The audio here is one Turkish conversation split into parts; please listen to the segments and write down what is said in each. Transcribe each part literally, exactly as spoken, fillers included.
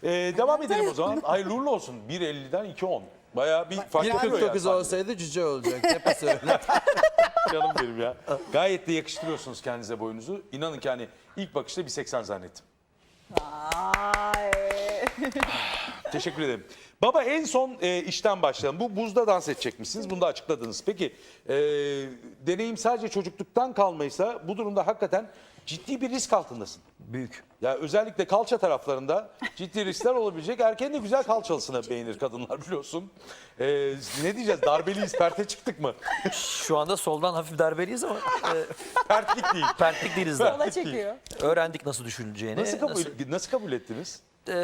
Ee, devam edelim o zaman. Hayırlı uğurlu olsun. bir elliden iki on. Bayağı bir fark bir ediyor kırk dokuz ya. olsaydı cüce olacak. Hep söyle. Canım benim ya. Gayet de yakıştırıyorsunuz kendinize boyunuzu. İnanın ki hani ilk bakışta bir seksen zannettim. Vay. Teşekkür ederim. Baba en son e, işten başlayalım. Bu buzda dans edecekmişsiniz. Bunu da açıkladınız. Peki e, deneyim sadece çocukluktan kalmaysa bu durumda hakikaten ciddi bir risk altındasın. Büyük. Ya özellikle kalça taraflarında ciddi riskler olabilecek. Erkeğin de güzel kalçalısını beğenir kadınlar biliyorsun. E, ne diyeceğiz? Darbeliyiz, perte çıktık mı? Şu anda soldan hafif darbeliyiz ama e, Pertlik değil. pertlik değiliz daha. Sola çekiyor. Öğrendik nasıl düşüleceğini. Nasıl kabul, nasıl kabul ettiniz? E,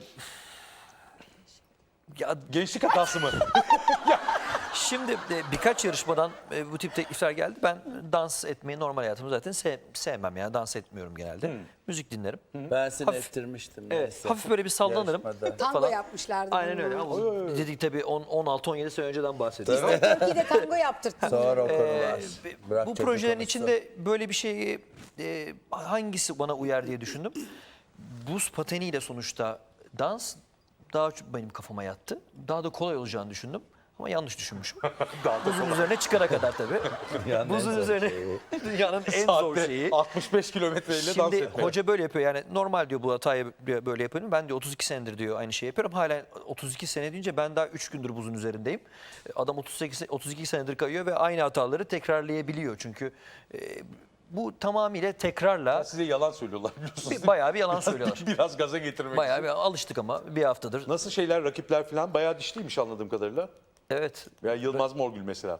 ya Gençlik hatası mı? şimdi e, birkaç yarışmadan e, bu tip teklifler geldi. Ben dans etmeyi normal hayatımda zaten sev- sevmem yani dans etmiyorum genelde. Müzik dinlerim. Ben seni Hafif- ettirmiştim. Evet, neyse. hafif böyle bir sallanırım. Yarışmada. Tango falan. yapmışlardı. Aynen öyle. bunu. Ama dedik tabii on altı on yedi sene önceden bahsediyoruz. Türkiye'de tango yaptırttın. Sonra o konular. Ee, Bırak bu çocuk projelerin konusu. içinde böyle bir şeyi e, hangisi bana uyar diye düşündüm. Buz pateniyle sonuçta dans daha çok benim kafama yattı. Daha da kolay olacağını düşündüm. Ama yanlış düşünmüşüm. Buzun üzerine çıkara kadar tabii. Dünyanın en Buzun zor üzerine şeyi. dünyanın en zor Saatte şeyi. altmış beş kilometreyle dans Şimdi etmek. hoca böyle yapıyor yani normal diyor bu hatayı böyle yapıyorum. Ben diyor otuz iki senedir diyor aynı şeyi yapıyorum. Hala otuz iki sene deyince ben daha üç gündür buzun üzerindeyim. Adam otuz sekiz otuz iki senedir kayıyor ve aynı hataları tekrarlayabiliyor. Çünkü e, bu tamamıyla tekrarla Size yalan söylüyorlar biliyorsunuz. bir, bayağı bir yalan söylüyorlar. Biraz gaza getirmek Bayağı için. bir alıştık ama bir haftadır. Nasıl şeyler, rakipler falan bayağı dişliymiş anladığım kadarıyla. Evet, Ya Yılmaz Morgül mesela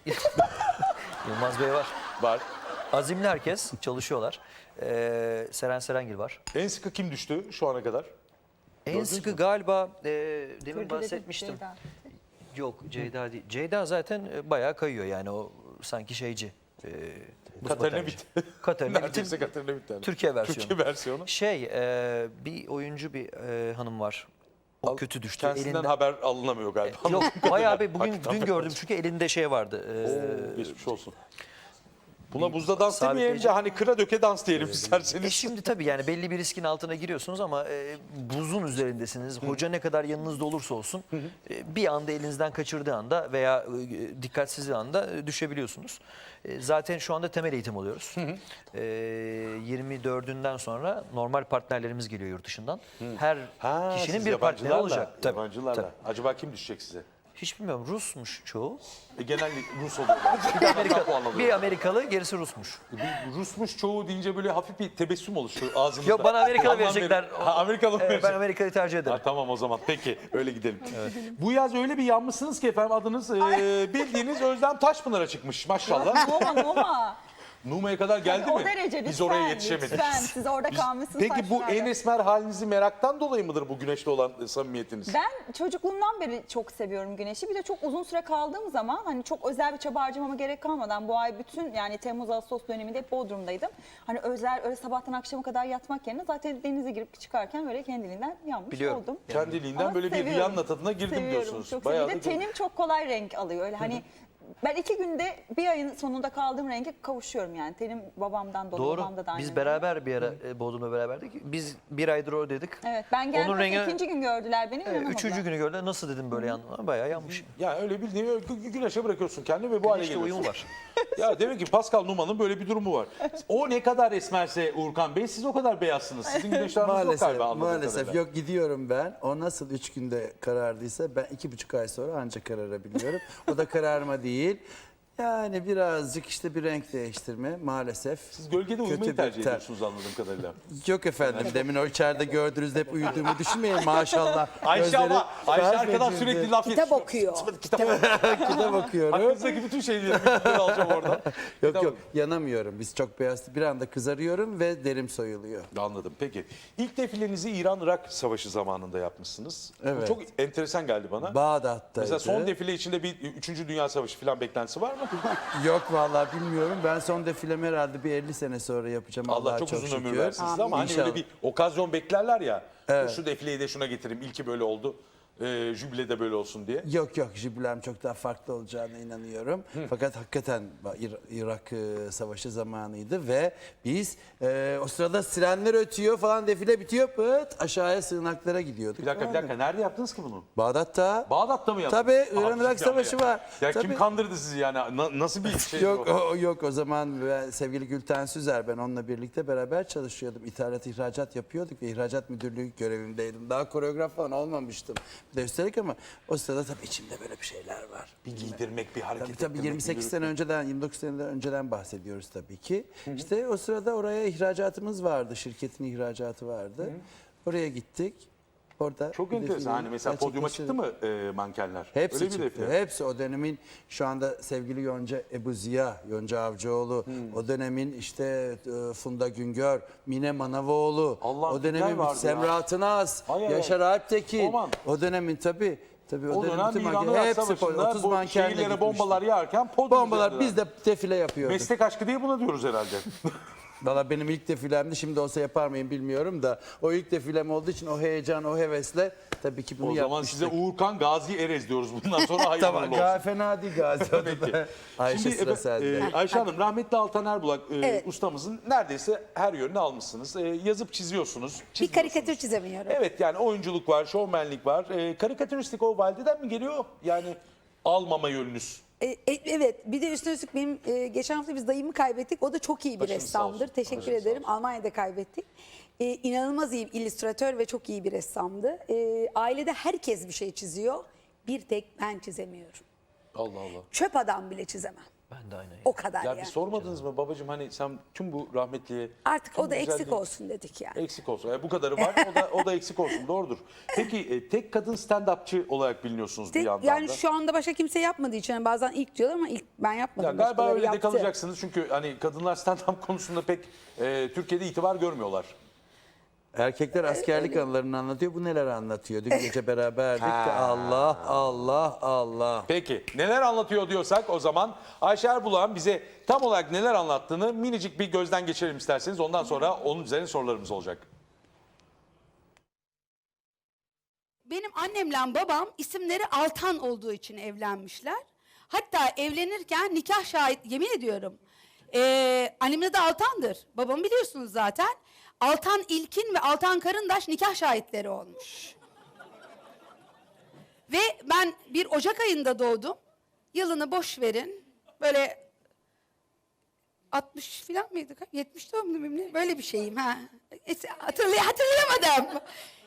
Yılmaz Bey var. var. Azimli herkes çalışıyorlar. Ee, Seren Serengil var. En sıkı kim düştü şu ana kadar? En Gördünüz sıkı mü? galiba e, demin Kırdı dedim, bahsetmiştim. Ceyda. Yok Ceyda değil. Ceyda zaten e, bayağı kayıyor yani o sanki şeyci. E, buz Katarina patenci. Witt. Katarina Neredeyse Witt'in Katarina Witt yani. Türkiye versiyonu. Türkiye versiyonu. Şey e, bir oyuncu bir e, hanım var. O Al- kötü düştü. Kendisinden Elinden- haber alınamıyor galiba. Yok bayağı bir bugün Hakikaten dün gördüm çünkü elinde şey vardı. E, Oo, geçmiş olsun. Buna buzda dans sabitleyici- demeyelim de hani kıra döke dans diyelim isterseniz. E şimdi tabii yani belli bir riskin altına giriyorsunuz ama e, buzun üzerindesiniz. Hoca ne kadar yanınızda olursa olsun e, bir anda elinizden kaçırdığı anda veya e, dikkatsizliği anda e, düşebiliyorsunuz. E, zaten şu anda temel eğitim alıyoruz. E, yirmi dördünden sonra normal partnerlerimiz geliyor yurt dışından. Her Ha, kişinin siz bir partneri yabancılarla- olacak. Tabii, Yabancılarla. tabii. Acaba kim düşecek size? Hiç bilmiyorum Rusmuş çoğu. E, genelde Rus oluyorlar. Bir, Amerika, puan alıyor. bir Amerikalı gerisi Rusmuş. Bir Rusmuş çoğu deyince böyle hafif bir tebessüm oluşuyor ağzınızda. Yok bana Amerikalı Anlam verecekler. verin. Ha, Amerikalı mı Evet, ben verecek? Amerika'yı tercih ederim. Ha, tamam o zaman peki öyle gidelim. Bu yaz öyle bir yanmışsınız ki efendim adınız e, bildiğiniz Özlem Taşpınar'a çıkmış maşallah. Noma Noma. Numa'ya kadar geldi o mi? derece Biz lütfen, oraya yetişemedik. Lütfen siz orada Biz- kalmışsınız. Peki bu saçlarda. en esmer halinizi meraktan dolayı mıdır bu güneşle olan e, samimiyetiniz? Ben çocukluğumdan beri çok seviyorum güneşi. Bir de çok uzun süre kaldığım zaman hani çok özel bir çaba harcamama gerek kalmadan bu ay bütün yani Temmuz Ağustos döneminde hep Bodrum'daydım. Hani özel öyle sabahtan akşama kadar yatmak yerine zaten denize girip çıkarken böyle kendiliğinden yanmış Biliyorum. oldum. Kendiliğinden Ama böyle bir seviyorum. Rihanna tadına girdim Seviyorum, diyorsunuz. Çok Bayağı seviyorum. Bir de da- tenim çok kolay renk alıyor. Öyle hani ben iki günde bir ayın sonunda kaldığım renge kavuşuyorum yani. Tenim babamdan dolayı, Doğru. babamda da aynı Biz renk. beraber bir ara e, Bodrum'da beraberdik. Biz bir aydır oradaydık. Evet ben geldim Onun rengi- ikinci gün gördüler beni. Evet, inanamadılar. üçüncü günü gördüler. Nasıl dedim böyle yanına? Bayağı yanmış. Yani öyle bildiğin gü- gü- güneşe bırakıyorsun kendini ve bu hale İşte geliyorsun. uyum var. Ya demek ki Pascal Numa'nın böyle bir durumu var. O ne kadar esmerse Uğurkan Bey siz o kadar beyazsınız. Sizin güneşleriniz yok Maalesef, galiba anladığım maalesef kadarıyla. yok gidiyorum ben. O nasıl üç günde karardıysa ben iki buçuk ay sonra ancak kararabiliyorum. O da kararma değil. Yani birazcık işte bir renk değiştirme maalesef. Siz gölgede uyumayı Kötü bir tercih ter- ediyorsunuz anladığım kadarıyla. Yok efendim demin o içeride gördüğünüzde hep uyuduğumu düşünmeyin maşallah. Ayşe Gözleri ama Ayşe felç arkadan edildi. sürekli laf Kitap yetiştiriyor. okuyor. Kitap Kitap okuyorum. Hakkınızdaki bütün şeyleri bilgileri alacağım oradan. Yok Kitap- yok yanamıyorum. Biz çok beyaz. Bir anda kızarıyorum ve derim soyuluyor. Anladım. Peki. İlk defilenizi İran-Irak Savaşı zamanında yapmışsınız. Bu Evet. çok enteresan geldi bana. Bağdat'taydı. Mesela son defile içinde bir üçüncü Dünya Savaşı falan beklentisi var mı? Yok vallahi bilmiyorum. Ben son defilemi herhalde bir elli sene sonra yapacağım. Allah Allah'a çok, uzun şükür. ömür versin size ama hani İnşallah. öyle bir okazyon beklerler ya. Evet. Şu defileyi de şuna getireyim. İlki böyle oldu. e, jübilede böyle olsun diye? Yok yok, jübilem çok daha farklı olacağına inanıyorum. Fakat hakikaten İr- Irak e, Savaşı zamanıydı ve biz e, o sırada sirenler ötüyor falan, defile bitiyor, pıt aşağıya sığınaklara gidiyorduk. Bir dakika bir dakika, nerede yaptınız ki bunu? Bağdat'ta. Bağdat'ta mı yaptınız? Tabii, İran Abi, Irak ya- Savaşı ya- var. Ya kim Tabii. kandırdı sizi yani? Na- nasıl bir şey Yok bu? o, yok o zaman ben, sevgili Gülten Süzer, ben onunla birlikte beraber çalışıyordum. İthalat ihracat yapıyorduk ve ihracat müdürlüğü görevindeydim. Daha koreograf falan olmamıştım. Bir de üstelik, ama o sırada tabii içimde böyle bir şeyler var. Bir giydirmek, bir hareket Tabii tabii ettirmek, yirmi sekiz bir- sene önceden, yirmi dokuz sene önceden bahsediyoruz tabii ki. İşte o sırada oraya ihracatımız vardı, şirketin ihracatı vardı. Oraya gittik. Orada Çok bir enteresan. defileyi Hani mesela podyuma çıktı gerçekleştirdik. mı e, mankenler? Hepsi Öyle bir çıktı. defile. Hepsi o dönemin, şu anda sevgili Yonca Ebu Ziya, Yonca Avcıoğlu, Hmm. o dönemin işte e, Funda Güngör, Mine Manavoğlu, Allah'ım, o kimler dönemin vardı Semra ya? Atınaz, Ay, ay, Yaşar Alptekin, Aman. o dönemin tabii. Tabii o, O dönemin dönem bütün İran manken- Irak hepsi Savaşı'nda otuz bu mankenle şehirlere gitmişti. bombalar yağarken podyum Bombalar üzerindeler. biz de defile yapıyorduk. Meslek aşkı diye buna diyoruz herhalde. Valla benim ilk defilemdi, şimdi olsa yapar mıyım bilmiyorum da, o ilk defilem olduğu için o heyecan, o hevesle tabii ki bunu O zaman yapmıştık. size Uğurkan Gazi Erez diyoruz. Bundan sonra hayırlı Tamam, olsun. ga- fena değil Gazi adı Peki. da. Ayşe Şimdi sıra efe- sende. e, Ayşe Hanım, rahmetli Altan Erbulak e, Evet. ustamızın neredeyse her yönünü almışsınız. E, yazıp çiziyorsunuz. Bir çiziyorsunuz. karikatür çizemiyorum. Evet, yani oyunculuk var, şovmenlik var. E, karikatüristik o valideden mi geliyor? Yani almama yönünüz. E, e, evet, bir de üstüne üstlük benim e, geçen hafta biz dayımı kaybettik. O da çok iyi bir Başınız sağ olsun. ressamdır. Teşekkür Başınız sağ ederim. olsun. Almanya'da kaybettik. E, inanılmaz iyi bir illüstratör ve çok iyi bir ressamdı. E, ailede herkes bir şey çiziyor. Bir tek ben çizemiyorum. Allah Allah. Çöp adam bile çizemem. Ben de aynı. O kadar Ya yani. bir sormadınız mı babacığım, hani sen tüm bu rahmetliye... Artık tüm o da bu eksik güzelliği- olsun dedik yani. Eksik olsun. Yani bu kadarı var, o da, o da eksik olsun. Doğrudur. Peki e, tek kadın stand-upçı olarak biliniyorsunuz bir Tek- yandan yani da. şu anda başka kimse yapmadığı için yani bazen ilk diyorlar ama ilk ben yapmadım. Ya galiba Başkaları öyle de yaptı. kalacaksınız çünkü hani kadınlar stand-up konusunda pek e, Türkiye'de itibar görmüyorlar. Erkekler askerlik anılarını anlatıyor. Bu neler anlatıyor? Dün gece beraberdik de Allah Allah Allah. Peki neler anlatıyor diyorsak o zaman Ayşe Erbulak'ın bize tam olarak neler anlattığını minicik bir gözden geçirelim isterseniz. Ondan sonra onun üzerine sorularımız olacak. Benim annemle babam isimleri Altan olduğu için evlenmişler. Hatta evlenirken nikah şahit, yemin ediyorum. Ee, annemin adı Altan'dır. Babamı biliyorsunuz zaten. Altan İlkin ve Altan Karındaş nikah şahitleri olmuş. Ve ben bir Ocak ayında doğdum. Yılını boş verin. Böyle altmış falan mıydı? yetmiş doğumlu muyum ne? Böyle bir şeyim ha. Hatırlay hatırlayamadım.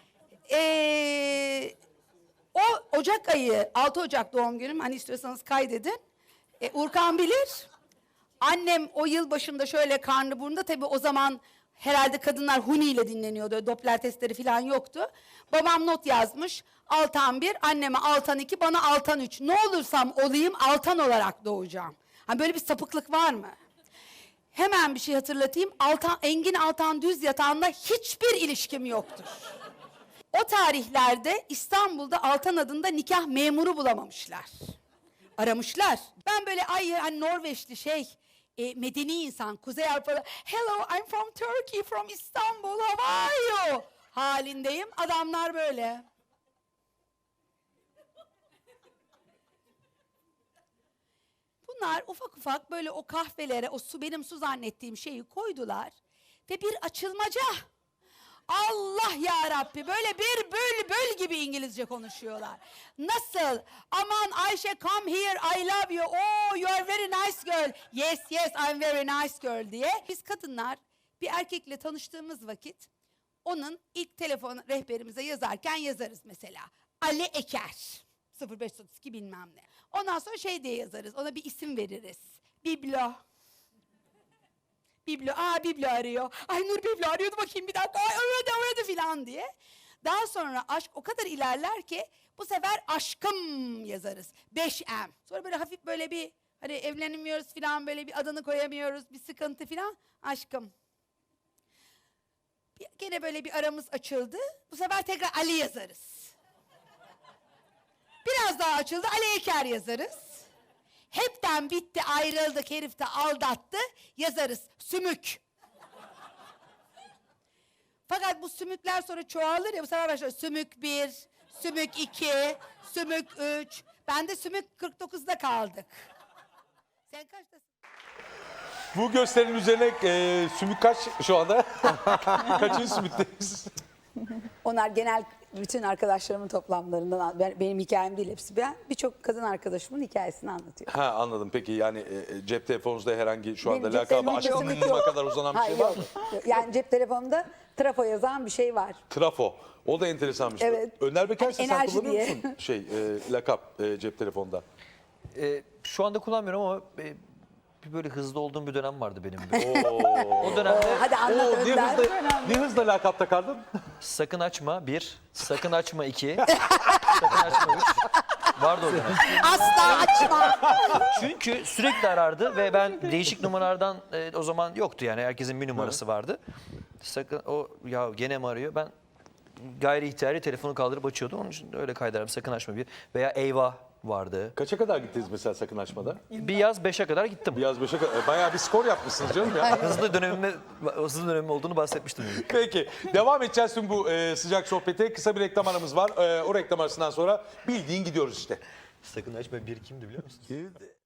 Ee, o Ocak ayı, altı Ocak doğum günüm. Hani istiyorsanız kaydedin. Ee, Urkan bilir. Annem o yıl başında şöyle karnı burnunda, tabii o zaman herhalde kadınlar huni ile dinleniyordu. Doppler testleri falan yoktu. Babam not yazmış. Altan bir, anneme Altan iki, bana Altan üç. Ne olursam olayım Altan olarak doğacağım. Hani böyle bir sapıklık var mı? Hemen bir şey hatırlatayım. Altan, Engin Altan Düz Yatağı'nda hiçbir ilişkim yoktur. O tarihlerde İstanbul'da Altan adında nikah memuru bulamamışlar. Aramışlar. Ben böyle ay hani Norveçli şey, e, medeni insan, Kuzey Avrupa'da hello I'm from Turkey, from Istanbul, how are you? Halindeyim. Adamlar böyle. Bunlar ufak ufak böyle o kahvelere o su, benim su zannettiğim şeyi koydular ve bir açılmaca. Allah ya Rabbi, böyle bir bülbül gibi İngilizce konuşuyorlar. Nasıl? Aman Ayşe, come here, I love you. Oh, you are very nice girl. Yes, yes, I'm very nice girl diye. Biz kadınlar bir erkekle tanıştığımız vakit onun ilk telefon rehberimize yazarken yazarız mesela. Ali Eker. sıfır beş otuz iki bilmem ne. Ondan sonra şey diye yazarız. Ona bir isim veririz. Biblo. Biblo, aa Biblo arıyor. Ay Nur Biblo arıyordu, bakayım bir dakika. Ay aradı aradı filan diye. Daha sonra aşk o kadar ilerler ki bu sefer aşkım yazarız. beş M. Sonra böyle hafif böyle bir hani evlenemiyoruz filan, böyle bir adını koyamıyoruz, bir sıkıntı filan. Aşkım. Bir, gene böyle bir aramız açıldı. Bu sefer tekrar Ali yazarız. Biraz daha açıldı, Ali Eker yazarız. Hepten bitti, ayrıldık, herif de aldattı, yazarız. Sümük. Fakat bu sümükler sonra çoğalır ya, bu sefer başlıyor. Sümük bir, sümük iki, sümük üç. Ben de sümük kırk dokuzda kaldık. Sen kaçtasın? Bu gösterinin üzerine e, sümük kaç şu anda? Kaçıncı sümükteyiz? Onlar genel bütün arkadaşlarımın toplamlarından, ben- benim hikayem değil hepsi. Ben birçok kadın arkadaşımın hikayesini anlatıyorum. Ha anladım. Peki yani e, cep telefonunuzda herhangi şu anda Benim cep lakabı telefonumda sümük aşkınma yok. kadar uzanan bir Hayır, şey var yok. mı? Yani cep telefonumda trafo yazan bir şey var. Trafo. O da enteresanmış. Evet. Önder Beker Hani sen enerji kullanıyor diye. musun şey e, lakap e, cep telefonda? E, şu anda kullanmıyorum ama e, bir böyle hızlı olduğum bir dönem vardı benim. Böyle. Oo. O dönemde Hadi anlat Oo, ne Önder. hızla, ne hızla lakap takardın? sakın açma bir, sakın açma iki, sakın açma üç. Vardı o dönem. Asla açma. Çünkü sürekli arardı ve ben değişik numaralardan e, o zaman yoktu yani herkesin bir numarası vardı. Sakın o ya gene mi arıyor? Ben gayri ihtiyari telefonu kaldırıp açıyordum. Onun için öyle kaydederim sakın açma bir. Veya eyvah vardı. Kaça kadar gittiniz mesela sakın açmada? Bir yaz beşe kadar gittim. Biraz beşe kadar. e, Bayağı bir skor yapmışsınız canım ya. Hızlı dönemime, hızlı dönemim olduğunu bahsetmiştim. Yani. Peki devam edeceğiz tüm bu e, sıcak sohbete. Kısa bir reklam aramız var. E, o reklam arasından sonra bildiğin gidiyoruz işte. Sakın açma bir kimdi biliyor musun? Kimdi?